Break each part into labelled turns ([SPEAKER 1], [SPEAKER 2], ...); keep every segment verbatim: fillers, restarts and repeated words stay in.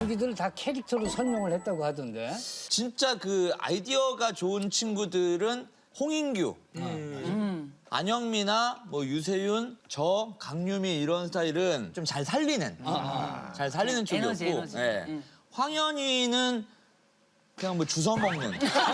[SPEAKER 1] 자기들 다 캐릭터로 설명을 했다고 하던데.
[SPEAKER 2] 진짜 그 아이디어가 좋은 친구들은 홍인규,
[SPEAKER 3] 음.
[SPEAKER 2] 안영미나 뭐 유세윤, 저 강유미 이런 스타일은 좀 잘 살리는, 잘 살리는 쪽이었고,
[SPEAKER 3] 에너지, 에너지.
[SPEAKER 2] 예.
[SPEAKER 3] 응.
[SPEAKER 2] 황현희는 그냥 뭐 주워 먹는.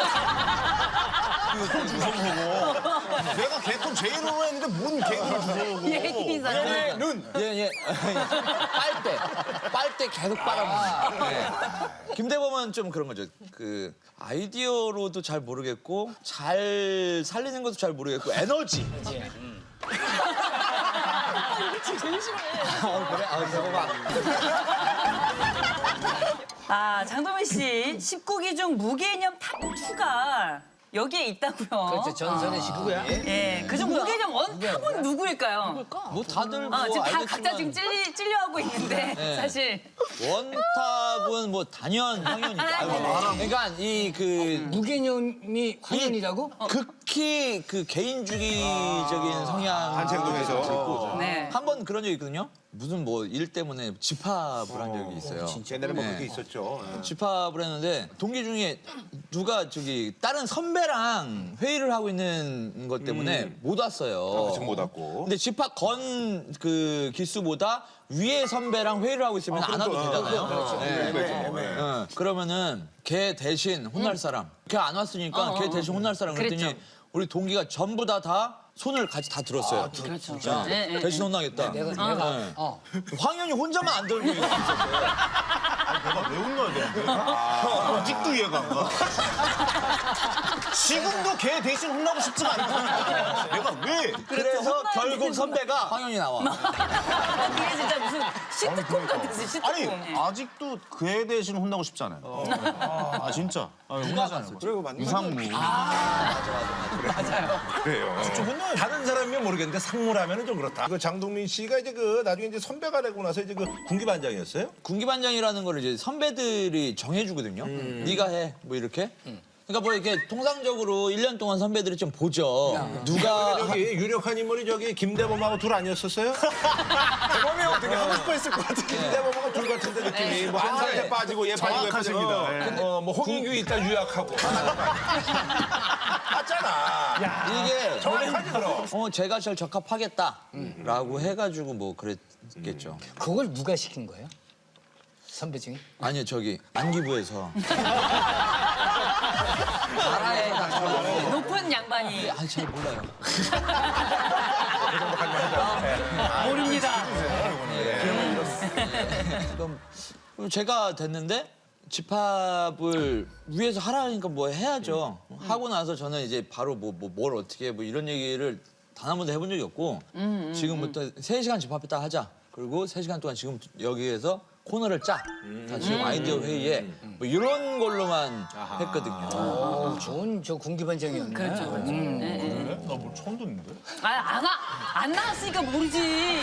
[SPEAKER 4] 내가 개콘 제일로 했는데 뭔 개그를 주워오고.
[SPEAKER 3] 예기사네.
[SPEAKER 4] 눈.
[SPEAKER 2] 예, 예. 빨대. 빨대 계속 빨아먹는. 예. 김대범은 좀 그런 거죠. 그 아이디어로도 잘 모르겠고 잘 살리는 것도 잘 모르겠고 에너지.
[SPEAKER 3] 제일 싫어해.
[SPEAKER 2] 아, 그래? 아, 대범아.
[SPEAKER 3] 아, 장동민 씨, 십구 기 중 무개념 탑이가 여기에 있다고요.
[SPEAKER 1] 그렇죠. 전설의 식구야.
[SPEAKER 3] 예, 그중 무개념 원탑은 누구일까요?
[SPEAKER 2] 뭐 다들 뭐
[SPEAKER 3] 어, 지금 다
[SPEAKER 2] 알겠지만
[SPEAKER 3] 각자 지금 찔리, 찔려하고 있는데
[SPEAKER 2] 네.
[SPEAKER 3] 사실
[SPEAKER 2] 원탑은 뭐 단연 황현이죠. 그러니까 이 그
[SPEAKER 1] 무개념이 황현이라고?
[SPEAKER 2] 극히 그 개인주의적인 성향
[SPEAKER 4] 단체행동에서.
[SPEAKER 3] 네.
[SPEAKER 2] 한 번 그런 적이 있거든요. 무슨 뭐 일 때문에 집합을 한 적이 있어요.
[SPEAKER 4] 옛날에 뭐
[SPEAKER 2] 네.
[SPEAKER 4] 그게 있었죠. 예.
[SPEAKER 2] 집합을 했는데 동기 중에 누가 저기 다른 선배랑 회의를 하고 있는 것 때문에 못 왔어요.
[SPEAKER 4] 지금 못 왔고.
[SPEAKER 2] 근데 집합 건 그 기수보다 위에 선배랑 회의를 하고 있으면 안 와도 되잖아요. 네.
[SPEAKER 4] 네.
[SPEAKER 2] 어, 그러면은 걔 대신 혼날 사람. 걔 안 왔으니까 걔 대신 혼날 사람 그랬더니
[SPEAKER 3] 그랬죠.
[SPEAKER 2] 우리 동기가 전부 다 다 손을 같이 다 들었어요.
[SPEAKER 3] 그렇죠.
[SPEAKER 2] 자,
[SPEAKER 3] 네, 네,
[SPEAKER 2] 대신 혼나겠다.
[SPEAKER 1] 내가
[SPEAKER 2] 네.
[SPEAKER 1] 내가 어.
[SPEAKER 2] 황현이 혼자만 안 들고 있었어요.
[SPEAKER 4] 내가 왜 혼나야 되는데? 아, 아직도 이해가 안 가. 지금도 걔 대신 혼나고 싶지가 않다. 내가 왜?
[SPEAKER 2] 그래서
[SPEAKER 3] 혼나야
[SPEAKER 2] 결국
[SPEAKER 3] 되는
[SPEAKER 2] 선배가 황현이 나와.
[SPEAKER 3] 이게 진짜 무슨 시트콤 같았어요, 시트콤.
[SPEAKER 4] 아니
[SPEAKER 3] 예.
[SPEAKER 4] 아직도 걔 대신 혼나고 싶지 않아요. 아 진짜. 아, 혼나잖아요. 그리고 유상무. 그래요.
[SPEAKER 5] 다른 사람이면 모르겠는데 상무라면은 좀 그렇다. 그 장동민 씨가 이제 그 나중에 이제 선배가 되고 나서 이제 그 군기반장이었어요?
[SPEAKER 2] 군기반장이라는 걸 이제 선배들이 정해주거든요. 네가 해, 뭐 이렇게. 그러니까 뭐 이렇게 통상적으로 일 년 동안 선배들이 좀 보죠. 누가
[SPEAKER 5] 여기 유력한 인물이 저기 김대범하고 둘 아니었었어요? 대범이 어떻게 하고 싶어 했을 것 같아. 김대범하고 둘 같은데 느낌이 뭐 한 살에 빠지고 얘 빠지고 얘 빠지고.
[SPEAKER 4] 정확하십니다.
[SPEAKER 5] 어, 뭐 홍인규 있다 유약하고. 맞잖아.
[SPEAKER 2] 이게
[SPEAKER 5] 정확하지 그럼.
[SPEAKER 2] 어 제가 제일 적합하겠다라고 해가지고 뭐 그랬겠죠.
[SPEAKER 1] 그걸 누가 시킨 거예요? 선배 중에?
[SPEAKER 2] 아니요 저기 안기부에서
[SPEAKER 3] 높은 양반이
[SPEAKER 2] 아잘 몰라요.
[SPEAKER 3] 모릅니다.
[SPEAKER 2] 그럼 제가 됐는데 집합을 위에서 하라니까 뭐 해야죠. 하고 나서 저는 이제 바로 뭐 뭘 어떻게 해 뭐 이런 얘기를 단 한 번도 해본 적이 없고 지금부터 세 시간 집합했다 하자. 그리고 세 시간 동안 지금 여기에서 코너를 짜. 다 지금 아이디어 회의에 뭐 이런 걸로만 했거든요.
[SPEAKER 1] 어, 좋은 저 군기반장이었네.
[SPEAKER 3] 그렇죠, 그렇죠.
[SPEAKER 1] 음.
[SPEAKER 3] 네, 네.
[SPEAKER 4] 나뭐 처음 듣는데?
[SPEAKER 3] 아, 안, 와, 안 나왔으니까 모르지.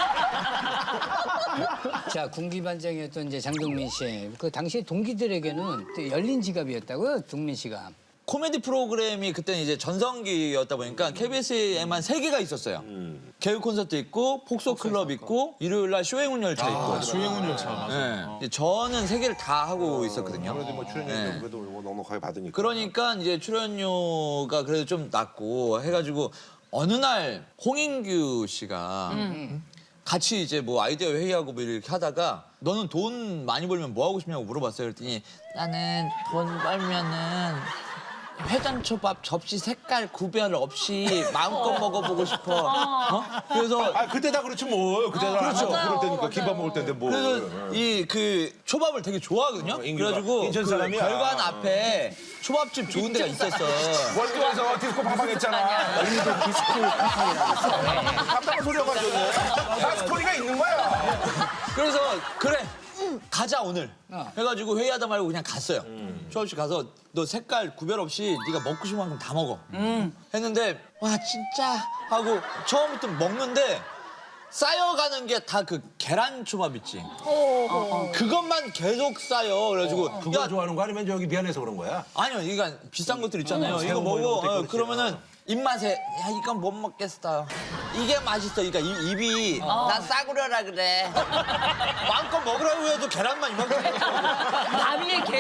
[SPEAKER 1] 자, 군기반장이었던 이제 장동민 씨. 그 당시에 동기들에게는 또 열린 지갑이었다고요, 동민 씨가.
[SPEAKER 2] 코미디 프로그램이 그때는 이제 전성기였다 보니까 케이비에스에만 세 개가 있었어요. 개그 콘서트 있고 폭소 클럽 있고 일요일 날 쇼행운 열차 있고.
[SPEAKER 4] 조행훈 열차 맞아.
[SPEAKER 2] 네. 저는 세 개를 다 하고 있었거든요.
[SPEAKER 4] 그래도 뭐 출연료
[SPEAKER 2] 네.
[SPEAKER 4] 그래도 뭐 넉넉하게 받으니까.
[SPEAKER 2] 그러니까 이제 출연료가 그래도 좀 낮고 해가지고 어느 날 홍인규 씨가 같이 이제 뭐 아이디어 회의하고 뭐 이렇게 하다가 너는 돈 많이 벌면 뭐 하고 싶냐고 물어봤어요. 그랬더니 나는 돈 벌면은 회전초밥 접시 색깔 구별 없이 마음껏 먹어보고 싶어. 어? 그래서
[SPEAKER 5] 아 그때 다 그렇지 뭐. 그때 다
[SPEAKER 2] 그렇죠.
[SPEAKER 5] 그럴 때니까
[SPEAKER 3] 맞아요.
[SPEAKER 5] 김밥 먹을 때인데 뭐.
[SPEAKER 2] 그래서 이 그 초밥을 되게 좋아하거든요.
[SPEAKER 5] 인규가.
[SPEAKER 2] 그래가지고
[SPEAKER 5] 인천
[SPEAKER 2] 그
[SPEAKER 5] 사람이야.
[SPEAKER 2] 별관 앞에 초밥집 좋은 데가 있었어.
[SPEAKER 5] 월드에서 디스코 팡팡했잖아.
[SPEAKER 1] 오늘도 디스코 팡팡이라고
[SPEAKER 5] 깜짝 소리가 가졌네. 다 스토리가 있는 거야.
[SPEAKER 2] 그래서 그래 가자 오늘 해가지고 회의하다 말고 그냥 갔어요. 초밥집 가서 너 색깔 구별 없이 네가 먹고 싶은 만큼 다 먹어. 했는데 와 진짜 하고 처음부터 먹는데 쌓여가는 게 다 그 계란 초밥 있지. 그것만 계속 쌓여. 그래가지고
[SPEAKER 5] 그거
[SPEAKER 2] 야
[SPEAKER 5] 좋아하는 거 아니면 저기 미안해서 그런 거야?
[SPEAKER 2] 아니요 이거 비싼 것들 있잖아요. 이거
[SPEAKER 5] 새우 뭐 이런
[SPEAKER 2] 먹어.
[SPEAKER 5] 것도
[SPEAKER 2] 어,
[SPEAKER 5] 있고
[SPEAKER 2] 그러면은 입맛에 야 이건 못 먹겠어. 이게 맛있어. 그러니까 입, 입이 난 싸구려라 그래. 마음껏 먹으라고 해도 계란만 이만큼 먹고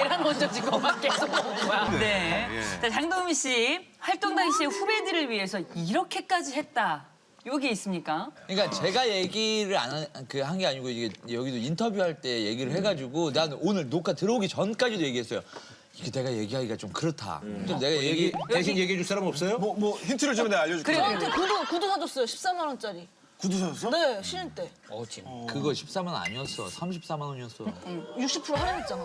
[SPEAKER 6] 계란 얹어진 것만 계속 먹은 거야.
[SPEAKER 3] 네. 자, 장동민 씨 활동 당시에 후배들을 위해서 이렇게까지 했다. 요게 있습니까?
[SPEAKER 2] 그러니까 제가 얘기를 안그한 게 아니고 이게 여기도 인터뷰할 때 얘기를 해가지고 나는 오늘 녹화 들어오기 전까지도 얘기했어요. 이게 내가 얘기하기가 좀 그렇다. 좀 내가 얘기
[SPEAKER 5] 대신 얘기해 줄 사람 없어요?
[SPEAKER 7] 뭐, 뭐 힌트를 주면 내가 알려줄게.
[SPEAKER 6] 저한테 구두, 구두 사줬어요. 십사만 원짜리.
[SPEAKER 7] 구두 사줬어?
[SPEAKER 6] 네, 신인 때.
[SPEAKER 1] 어, 진.
[SPEAKER 2] 그거 십사만 원 아니었어. 삼십사만 원이었어.
[SPEAKER 6] 육십 퍼센트 할인했잖아.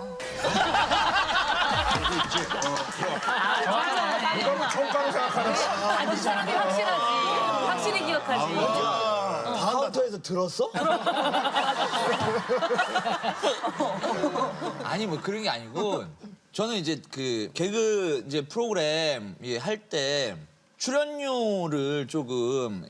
[SPEAKER 5] 누가 뭐 총가로 생각하는 거야.
[SPEAKER 3] 아주 사람이 확실하지. 확실히 기억하지.
[SPEAKER 7] 카운터에서 들었어?
[SPEAKER 2] 아니 뭐 그런 게 아니고 저는 이제 그 개그 이제 프로그램 할 때 출연료를 조금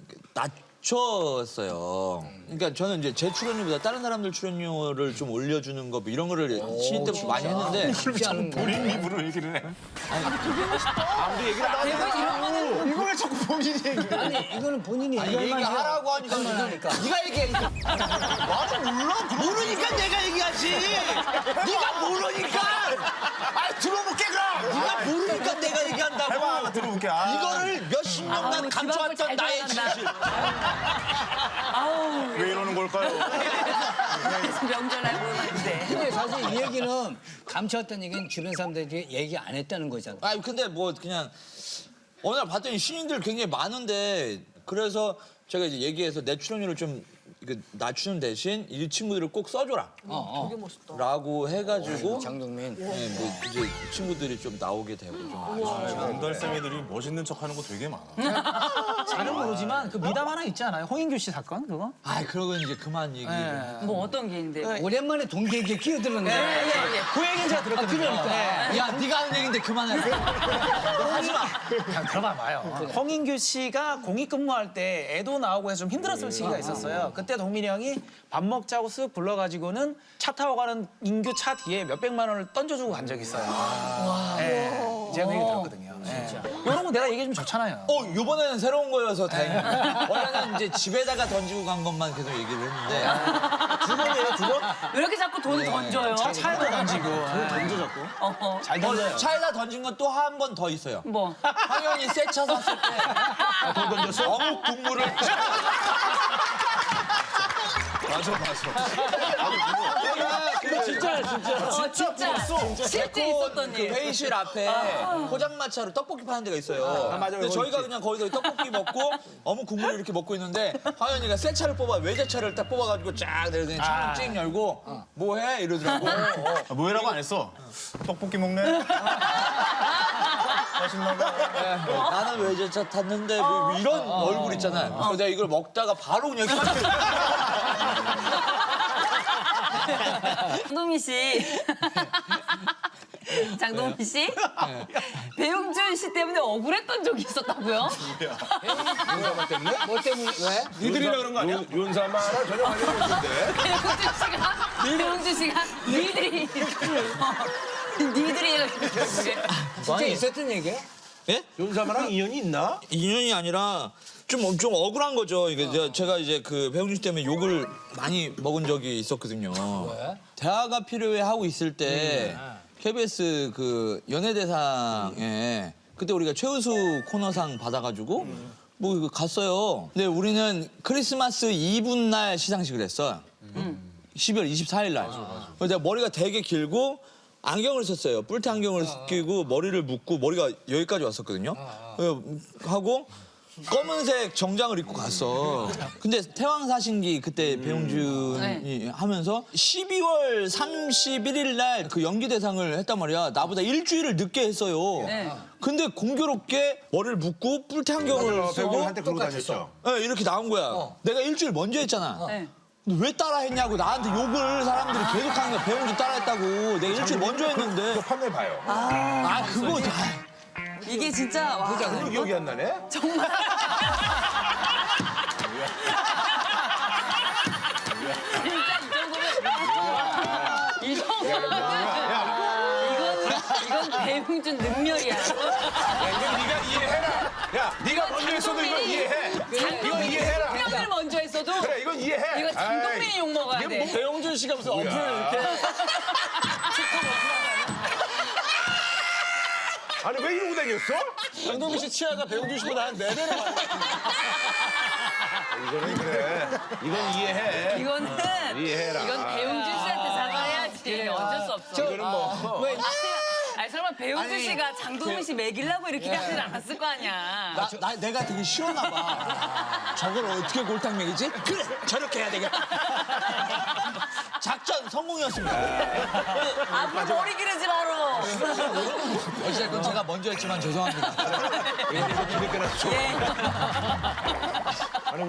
[SPEAKER 2] 낮췄어요. 그러니까 저는 이제 제 출연료보다 다른 사람들 출연료를 좀 올려주는 거 뭐 이런 거를 신인 때부터 많이 했는데
[SPEAKER 1] 쉽지 않은 거.
[SPEAKER 5] 본인 입으로 얘기를 해. 아무도 얘기를 안 해.
[SPEAKER 7] 이걸 왜 자꾸 본인이 얘기해?
[SPEAKER 1] 아니, 이거는 본인이
[SPEAKER 2] 아니,
[SPEAKER 1] 얘기할 만한
[SPEAKER 2] 얘기하라고 하니까
[SPEAKER 1] 할 만하니까.
[SPEAKER 2] 네가 얘기해. 나도 몰라. 모르니까 내가 얘기하지. 네가 모르니까.
[SPEAKER 5] 아 들어볼게 그럼.
[SPEAKER 2] 네가 모르니까 내가 얘기한다고.
[SPEAKER 5] 해봐 나 들어볼게. 아.
[SPEAKER 2] 이거를 몇십 년간
[SPEAKER 3] 아우,
[SPEAKER 2] 감춰왔던
[SPEAKER 3] 집 앞을
[SPEAKER 2] 나의
[SPEAKER 3] 잘 돌아간다.
[SPEAKER 2] 진실.
[SPEAKER 3] 아우,
[SPEAKER 5] 왜 이러는 걸까요?
[SPEAKER 3] 명절날 보는데.
[SPEAKER 1] 근데 사실 이 얘기는 감춰왔던 얘기는 주변 사람들이 얘기 안 했다는 거잖아.
[SPEAKER 2] 아니 근데 뭐 그냥 어느 날 봤더니 신인들 굉장히 많은데 그래서 제가 이제 얘기해서 내 출연료를 좀 이거 낮추는 대신 이 친구들을 꼭 써줘라.
[SPEAKER 1] 어, 어.
[SPEAKER 6] 되게 멋있다.
[SPEAKER 2] 라고 해가지고
[SPEAKER 1] 장동민.
[SPEAKER 2] 네, 뭐 이제 친구들이 좀 나오게 되고 좀 아쉬워요.
[SPEAKER 5] 건달생이들이 멋있는 척하는 거 되게 많아.
[SPEAKER 8] 잘은 모르지만 그 미담 하나 있지 않아요? 홍인규 씨 사건 그거?
[SPEAKER 2] 아 그러고 이제 그만 얘기.
[SPEAKER 3] 뭐 어떤 게 있는데?
[SPEAKER 1] 오랜만에 동기에게 끼어들었네.
[SPEAKER 8] 그 얘기는 제가 들었거든요. 네.
[SPEAKER 2] 야 네가 하는 얘기인데 그만해. 하지 마.
[SPEAKER 8] 그냥 들어봐 봐요. 홍인규 씨가 공익 근무할 때 애도 나오고 해서 좀 힘들었을 시기가 있었어요. 그때 동민이 형이 밥 먹자고 쓱 불러가지고는 차 타고 가는 인규 차 뒤에 몇백만 원을 던져주고 간 적이 있어요. 네. 제가 그 얘기 들었거든요. 네. 이런 거 내가 얘기해 주면 좋잖아요.
[SPEAKER 2] 어 이번에는 새로운 거여서 다행이야. 원래는 이제 집에다가 던지고 간 것만 계속 얘기를 했는데
[SPEAKER 5] 두 번이에요 두 번?
[SPEAKER 3] 왜 이렇게 자꾸 돈 던져요?
[SPEAKER 8] 차, 차에도 던지고.
[SPEAKER 7] 던져 자꾸.
[SPEAKER 3] 어허.
[SPEAKER 8] 잘 던져요.
[SPEAKER 2] 차에다 던진 건 또 한 번 더 있어요.
[SPEAKER 3] 뭐?
[SPEAKER 2] 황현이 새 차 샀을 때
[SPEAKER 5] 돈 던졌어?
[SPEAKER 2] 어묵 국물을
[SPEAKER 5] 맞아 맞아.
[SPEAKER 2] 진짜 진짜
[SPEAKER 3] 어, 진짜. 실제 있었던
[SPEAKER 2] 그
[SPEAKER 3] 일.
[SPEAKER 2] 회의실 앞에 포장마차로 떡볶이 파는 데가 있어요.
[SPEAKER 5] 아, 맞아요.
[SPEAKER 2] 근데
[SPEAKER 5] 거기
[SPEAKER 2] 저희가
[SPEAKER 5] 있지.
[SPEAKER 2] 그냥 거기서 떡볶이 먹고 어묵 국물을 이렇게 먹고 있는데 황현이가 새 차를 뽑아 외제차를 딱 뽑아가지고 쫙 내더니 창문 찡 열고 뭐해 이러더라고.
[SPEAKER 4] 아, 뭐해라고 안 했어. 떡볶이 먹네. 맛있나 봐.
[SPEAKER 2] 네, 나는 외제차 탔는데 뭐 이런 얼굴 있잖아요. 그래서 내가 이걸 먹다가 바로 그냥
[SPEAKER 3] 장동민 씨. 장동민 씨? 배용준 씨 때문에 억울했던 적이 있었다고요?
[SPEAKER 1] 뭐 때문에 왜?
[SPEAKER 5] 니들이라 그런 거 아니야? 윤사마랑 전혀 관련이 없는데.
[SPEAKER 3] 배용준 씨가 배용준 씨가 니들이 어, 니들이
[SPEAKER 1] 진짜 있었던 얘기야?
[SPEAKER 2] 예?
[SPEAKER 5] 윤사마랑 인연이 있나?
[SPEAKER 2] 인연이 아니라 좀, 좀 억울한 거죠. 이게 제가- 제가 이제 그 배용준 씨 때문에 욕을 많이 먹은 적이 있었거든요.
[SPEAKER 1] 왜?
[SPEAKER 2] 대화가 필요해 하고 있을 때 케이비에스 그 연예대상에 그때 우리가 최우수 코너상 받아가지고 뭐 이거 갔어요. 근데 우리는 크리스마스 이브날 시상식을 했어. 십이월 이십사일 날. 그래서 내가 머리가 되게 길고 안경을 썼어요. 뿔테 안경을 끼고 머리를 묶고 머리가 여기까지 왔었거든요. 그래서 하고 검은색 정장을 입고 갔어. 근데 태왕사신기 그때 배용준이 하면서 십이월 삼십일일 날 그 연기 대상을 했단 말이야. 나보다 일주일을 늦게 했어요.
[SPEAKER 3] 네.
[SPEAKER 2] 근데 공교롭게 머리를 묶고 뿔테 안경을 쓰고
[SPEAKER 5] 배우한테 그러고 다녔죠.
[SPEAKER 2] 네, 이렇게 나온 거야. 내가 일주일 먼저 했잖아.
[SPEAKER 3] 네.
[SPEAKER 2] 근데 왜 따라했냐고 나한테 욕을 사람들이 계속 하는 거야. 배용준 따라했다고. 내가 일주일 먼저 했는데.
[SPEAKER 5] 그거 판매 봐요.
[SPEAKER 2] 아 그거 다.
[SPEAKER 3] 이게 진짜 와,
[SPEAKER 5] 그거 기억이 안 나네?
[SPEAKER 3] 정말 진짜 이 정도면 이 정도면 이건 이건 배용준 능력이야.
[SPEAKER 5] 야, 이건 네가 이해해라. 야, 네가 먼저 했어도 이건 이해해. 이건 이해해라.
[SPEAKER 3] 장동민을 먼저 했어도
[SPEAKER 5] 그래, 이건 이해해.
[SPEAKER 3] 이거 장동민이 욕 먹어야 돼.
[SPEAKER 2] 배용준 씨가 무슨 어플을 이렇게.
[SPEAKER 5] 아니 왜 이러고 다녔어?
[SPEAKER 7] 장동민 씨 치아가 배용준 씨보다 한 네 배는 많아.
[SPEAKER 5] 이거는 그래. 이건 이해해.
[SPEAKER 3] 이거는
[SPEAKER 5] 이해해라.
[SPEAKER 3] 이건 배용준 씨한테 사과해야지. 어쩔 수 없어.
[SPEAKER 5] 이거는 뭐.
[SPEAKER 1] 왜
[SPEAKER 3] 아니 설마 배용준
[SPEAKER 2] 아니,
[SPEAKER 3] 씨가 장동민 씨 먹이려고 이렇게 하진 않았을 거 아니야.
[SPEAKER 2] 나, 나 내가 되게 싫었나 봐. 저걸 어떻게 골탕 먹이지? 그래 저렇게 해야 되겠다. 작전 성공이었습니다.
[SPEAKER 3] 앞으로 머리 기르지 마라.
[SPEAKER 2] 어찌됐건 제가 먼저 했지만 죄송합니다.
[SPEAKER 5] 이렇게 끊었죠.
[SPEAKER 3] 예.